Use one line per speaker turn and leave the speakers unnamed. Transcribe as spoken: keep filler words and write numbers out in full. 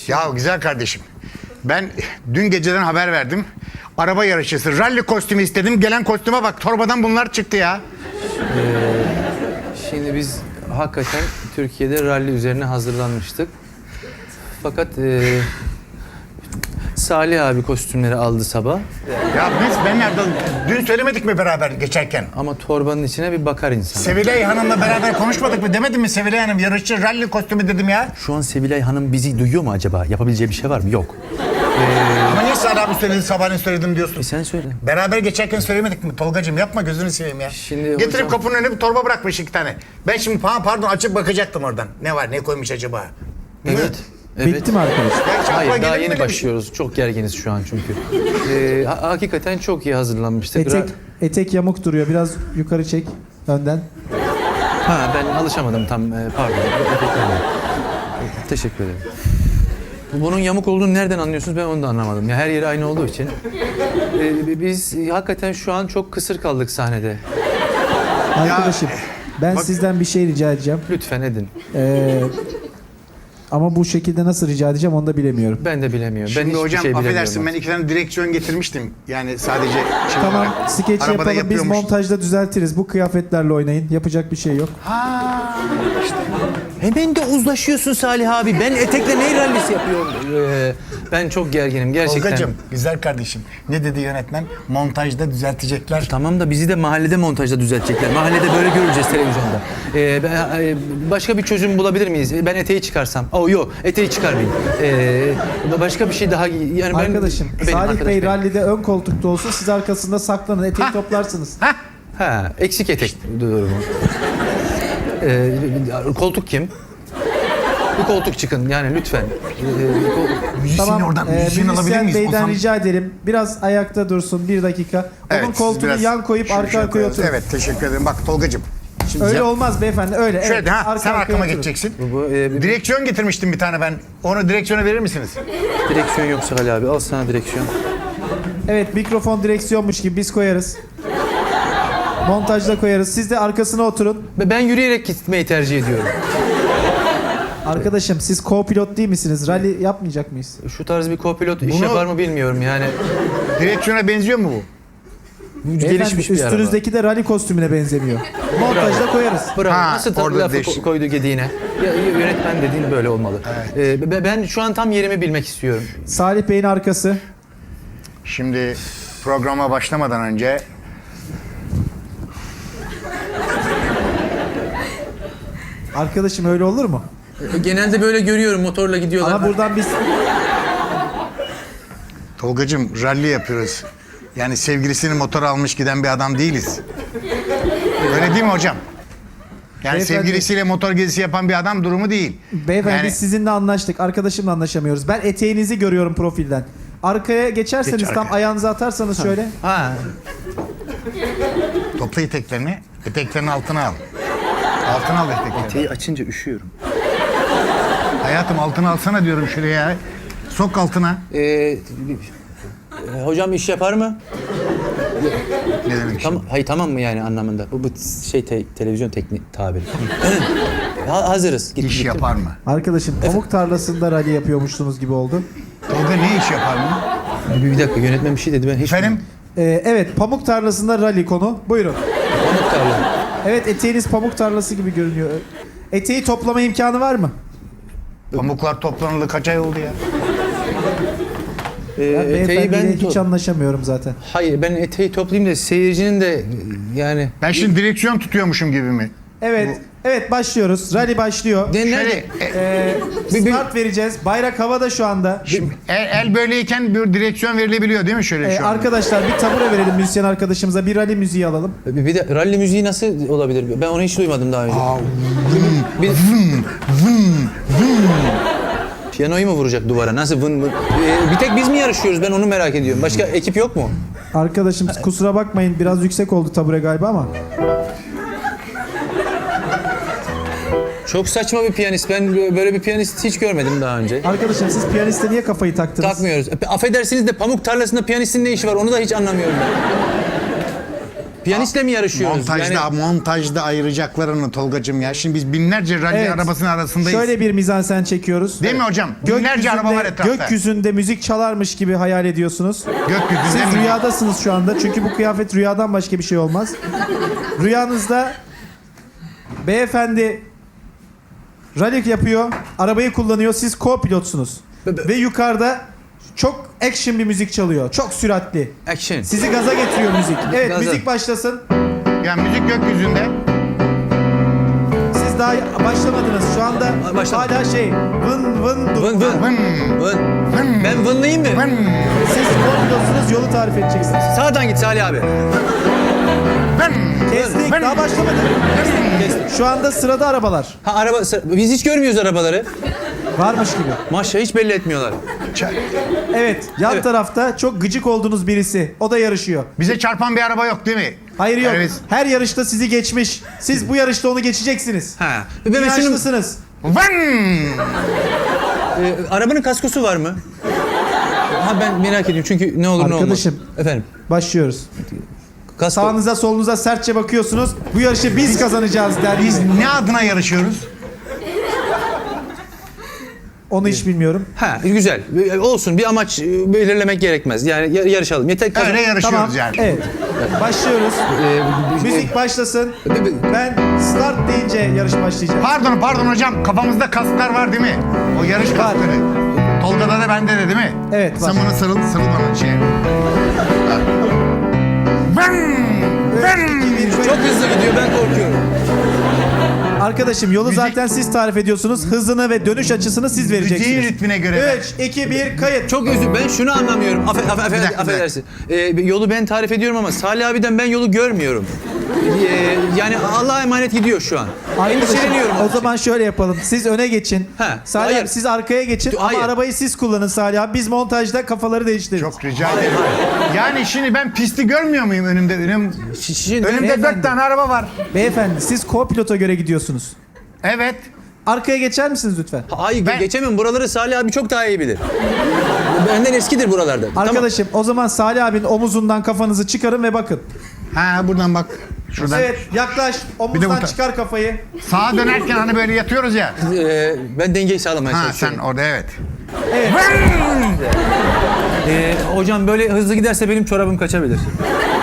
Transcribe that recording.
Ya güzel kardeşim. Ben dün geceden haber verdim. Araba yarışçısı, ralli kostümü istedim. Gelen kostüme bak, torbadan bunlar çıktı ya.
Şimdi biz hakikaten Türkiye'de ralli üzerine hazırlanmıştık. Fakat e, Salih abi kostümleri aldı sabah.
Ya biz ben nerede? Dün söylemedik mi beraber geçerken?
Ama torbanın içine bir bakar insan.
Sevilay Hanım'la beraber konuşmadık mı? Demedim mi Sevilay Hanım? Yarışçı ralli kostümü dedim ya.
Şu an Sevilay Hanım bizi duyuyor mu acaba? Yapabileceği bir şey var mı? Yok.
Ama niye Salih abi söyledi, sabahleyin söyledim diyorsun?
E sen söyle.
Beraber geçerken söylemedik mi? Tolgacığım yapma, gözünü seveyim ya.
Şimdi
Getirip
hocam-
kapının önüne bir torba bırakmış iki tane. Ben şimdi pa- pardon açıp bakacaktım oradan. Ne var, ne koymuş acaba? Değil mi?
Evet. Evet.
Bitti mi arkadaş?
Gerçi aklıma
Hayır daha
gelir mi
yeni
öyle bir
başlıyoruz. Çok gerginiz şu an çünkü. Ee, ha- hakikaten çok iyi hazırlanmıştık.
Etek, etek yamuk duruyor. Biraz yukarı çek önden.
Ha ben alışamadım tam. Ee, pardon. Teşekkür ederim. Bunun yamuk olduğunu nereden anlıyorsunuz? Ben onu da anlamadım. Ya her yeri aynı olduğu için. Ee, biz hakikaten şu an çok kısır kaldık sahnede.
Arkadaşım ben
bak-
sizden bir şey rica edeceğim.
Lütfen edin.
Ee, ama bu şekilde nasıl rica edeceğim onu da bilemiyorum.
Ben de bilemiyorum. ben
Şimdi
hiçbir
hocam
şey bilemiyorum.
affedersin ben iki tane direksiyon getirmiştim. Yani sadece şey
Tamam,
olarak.
skeç
Arabada
yapalım. Biz
yapıyormuş.
montajda düzeltiriz. Bu kıyafetlerle oynayın. Yapacak bir şey yok.
Hemen de uzlaşıyorsun Salih abi. Ben etekle ne rallisi yapıyorum? Ee, ben çok gerginim gerçekten.
Tolgacığım, güzel kardeşim. Ne dedi yönetmen? Montajda düzeltecekler.
Tamam da bizi de mahallede montajda düzeltecekler. Mahallede böyle göreceğiz televizyonda. Ee, ben- e, başka bir çözüm bulabilir miyiz? Ben eteği çıkarsam. Oh yok, eteği çıkarmayayım. Ee, başka bir şey daha yani ben
Arkadaşım
benim
Salih
arkadaş
Bey
benim.
rallide ön koltukta olsun. Siz arkasında saklanın. Eteği
Hah.
toplarsınız.
Hah!
Ha, eksik etek durumu. Ee, koltuk kim? Bir koltuk çıkın yani lütfen. Ee, kol-
Müzisyeni
Tamam.
oradan,
e,
müzisyeni alabilir
müzisyen
miyiz?
Bey'den
Ozan-
rica edelim. Biraz ayakta dursun. Bir dakika. Onun
Evet, siz
koltuğunu
biraz
yan koyup
şöyle
arka
şöyle
arkaya
koyalım.
oturun.
Evet, teşekkür ederim. Bak Tolgacığım. Şimdi
Öyle
sen-
olmaz beyefendi. Öyle.
Şöyle
evet.
de, ha,
Arka
sen
arkaya
arkama
oturun.
geçeceksin.
bu, bu, e, bir
Direksiyon getirmiştim bir tane ben. Onu direksiyona verir misiniz?
direksiyon yok Salih abi. Al sana direksiyon.
Evet, mikrofon direksiyonmuş gibi biz koyarız. Montajda koyarız. Siz de arkasına oturun.
Ben yürüyerek gitmeyi tercih ediyorum.
Arkadaşım siz co-pilot değil misiniz? Rally yapmayacak mıyız?
Şu tarz bir co-pilot iş
Bunu-
yapar mı bilmiyorum yani.
Direksiyona benziyor mu bu?
Beyefendi,
Gelişmiş bir araba.
üstünüzdeki de rally kostümüne benzemiyor. Montajda koyarız.
Bravo.
Ha,
Nasıl ta-
orada
lafı
değiş-
ko- koydu gediğine? Ya, yönetmen dediğin böyle olmalı. Ee, be- ben şu an tam yerimi bilmek istiyorum.
Salih Bey'in arkası.
Şimdi programa başlamadan önce
Arkadaşım öyle olur mu?
Genelde böyle görüyorum motorla gidiyorlar.
Ama buradan biz...
Tolgacığım ralli yapıyoruz. Yani sevgilisini motora almış giden bir adam değiliz. Öyle değil mi hocam? Yani
Beyefendi-
sevgilisiyle motor gezisi yapan bir adam durumu değil.
Beyefendi
Yani-
biz sizinle anlaştık. Arkadaşımla anlaşamıyoruz. Ben eteğinizi görüyorum profilden. Arkaya geçerseniz
Geç
tam
arkaya.
ayağınızı atarsanız şöyle.
Ha.
Topla eteklerini, eteklerini altına al. Altına al eteklerini.
Eteği açınca üşüyorum.
Hayatım altına alsana diyorum şuraya. Sok altına.
Ee, e, hocam iş yapar mı?
Ne demek
Tam,
şimdi?
hayır tamam mı yani anlamında? Bu, bu şey te- televizyon teknik tabiri. ha, hazırız. Git,
İş
gittim.
yapar mı?
Arkadaşım pamuk tarlasında rally yapıyormuşsunuz gibi oldu.
Tolga ne iş yapar mı?
Bir, bir dakika yönetmen bir şey dedi ben hiç
Efendim?
Ee, evet, pamuk tarlasında rally konu. Buyurun.
Pamuk tarla.
Evet, eteğiniz pamuk tarlası gibi görünüyor. Eteği toplama imkanı var mı?
Pamuklar toplanalı kaç ay oldu ya?
Ee,
Ben
eteği
beyefendiyle
ben
hiç
to-
anlaşamıyorum zaten.
Hayır ben eteği toplayayım da seyircinin de yani
Ben şimdi direksiyon tutuyormuşum gibi mi?
Evet, evet başlıyoruz. Rally başlıyor.
De-
Şöyle
nerede?
e,
Ee,
Bir- bir-
start vereceğiz. Bayrak havada şu anda.
şimdi el, el böyleyken bir direksiyon verilebiliyor değil mi şöyle
Ee,
şu an?
arkadaşlar bir tabure verelim müzisyen arkadaşımıza. Bir rally müziği alalım.
Bir bir de ralli müziği nasıl olabilir? Ben onu hiç duymadım daha önce.
Aa,
Bir... Piyanoyu mu vuracak duvara? Nasıl vın vın? Ee, bir tek biz mi yarışıyoruz? Ben onu merak ediyorum. Başka ekip yok mu?
Arkadaşım kusura bakmayın biraz yüksek oldu tabure galiba ama.
Çok saçma bir piyanist. Ben böyle bir piyanist hiç görmedim daha önce.
Arkadaşım siz piyaniste niye kafayı taktınız?
Takmıyoruz. E, Affedersiniz de pamuk tarlasında piyanistin ne işi var? Onu da hiç anlamıyorum ben. Piyanistle mi yarışıyoruz?
Montajda,
Yani-
montajda ayıracaklarını Tolgacığım ya. Şimdi biz binlerce rally
Evet.
arabasının arasındayız.
Şöyle bir mizansen çekiyoruz.
Değil mi hocam? Binlerce araba var etrafta.
Gökyüzünde müzik çalarmış gibi hayal ediyorsunuz.
Gökyüzünde
Siz
mi?
rüyadasınız şu anda. Çünkü bu kıyafet rüyadan başka bir şey olmaz. Rüyanızda beyefendi rally yapıyor, arabayı kullanıyor. Siz co-pilotsunuz. Ve yukarıda çok action bir müzik çalıyor. Çok süratli.
Action.
Sizi gaza getiriyor müzik. Evet,
Gaza.
müzik başlasın.
Yani müzik gökyüzünde.
Siz daha başlamadınız. Şu anda
Başlamadım.
hala şey vın vın dur.
Vın vın.
Vın,
Vın.
vın,
Ben vınlayayım mı?
vın,
Siz co-pilotsunuz, yolu tarif edeceksiniz.
Sağdan git Salih abi.
vın.
Kestik,
Vın.
daha başlamadı. Şu anda sırada arabalar.
Ha araba, biz hiç görmüyoruz arabaları.
Varmış gibi.
Maşallah hiç belli etmiyorlar.
Evet, yan
Evet.
tarafta çok gıcık olduğunuz birisi. O da yarışıyor.
Bize çarpan bir araba yok değil mi?
Hayır yok.
Evet.
Her yarışta sizi geçmiş. Siz bu yarışta onu geçeceksiniz.
Ha.
Bir
Ben şunun,
yaşlısınız.
Vın.
e, arabanın kaskosu var mı? Ha ben merak ediyorum çünkü ne olur ne olmaz.
Arkadaşım.
Efendim.
Başlıyoruz.
Kasko.
Sağınıza solunuza sertçe bakıyorsunuz. Bu yarışı biz kazanacağız der
Biz
gibi.
ne adına yarışıyoruz?
Onu hiç bilmiyorum.
Ha güzel. E, Olsun bir amaç e, belirlemek gerekmez. Yani ya- yarışalım. Yeter kazan.
Öyle yarışıyoruz
Tamam.
yani.
Evet. Başlıyoruz.
E,
Müzik başlasın.
e,
Ben start deyince yarış başlayacak.
Pardon pardon hocam kafamızda kasklar var değil mi? O yarış
Var.
kaskları. Tolga'da da bende de değil mi?
Evet, var.
Sen bunu sarıl, sarıl bana şey. Vın! Vın!
Çok hızlı gidiyor ben korkuyorum.
Arkadaşım yolu
Müzik-
zaten siz tarif ediyorsunuz. Hızını ve dönüş açısını siz
Müziğin
vereceksiniz.
ritmine göre.
üç, iki, bir, kayıt.
Çok özür ben şunu anlamıyorum. Affe, affe, affe,
Bir dakika, bir
affedersin. E, yolu ben tarif ediyorum ama Salih abiden ben yolu görmüyorum. E, yani Allah'a emanet gidiyor şu an.
Arkadaşım,
Endişeleniyorum.
o zaman şöyle yapalım. Siz öne geçin.
Ha,
Salih
hayır.
abi siz arkaya geçin
Hayır.
ama arabayı siz kullanın Salih abi. Biz montajda kafaları değiştiririz.
Çok rica ederim. Yani şimdi ben pisti görmüyor muyum önümde? Önüm,
Şimdi,
önümde
Beyefendi.
dört tane araba var.
Beyefendi siz co-pilota göre gidiyorsunuz.
Evet.
Arkaya geçer misiniz lütfen?
Hayır
Ben-
geçemem. Buraları Salih abi çok daha iyi bilir. Benden eskidir buralarda.
Arkadaşım o zaman Salih abinin omuzundan kafanızı çıkarın ve bakın.
Ha buradan bak. Şuradan.
Evet yaklaş.
Bir
Omuzdan
de bu ta-
çıkar kafayı.
Sağa dönerken hani böyle yatıyoruz ya.
Tamam. E, ben dengeyi sağlamaya
Ha
çalışıyorum.
sen orada evet.
Evet.
E, hocam böyle hızlı giderse benim çorabım kaçabilir.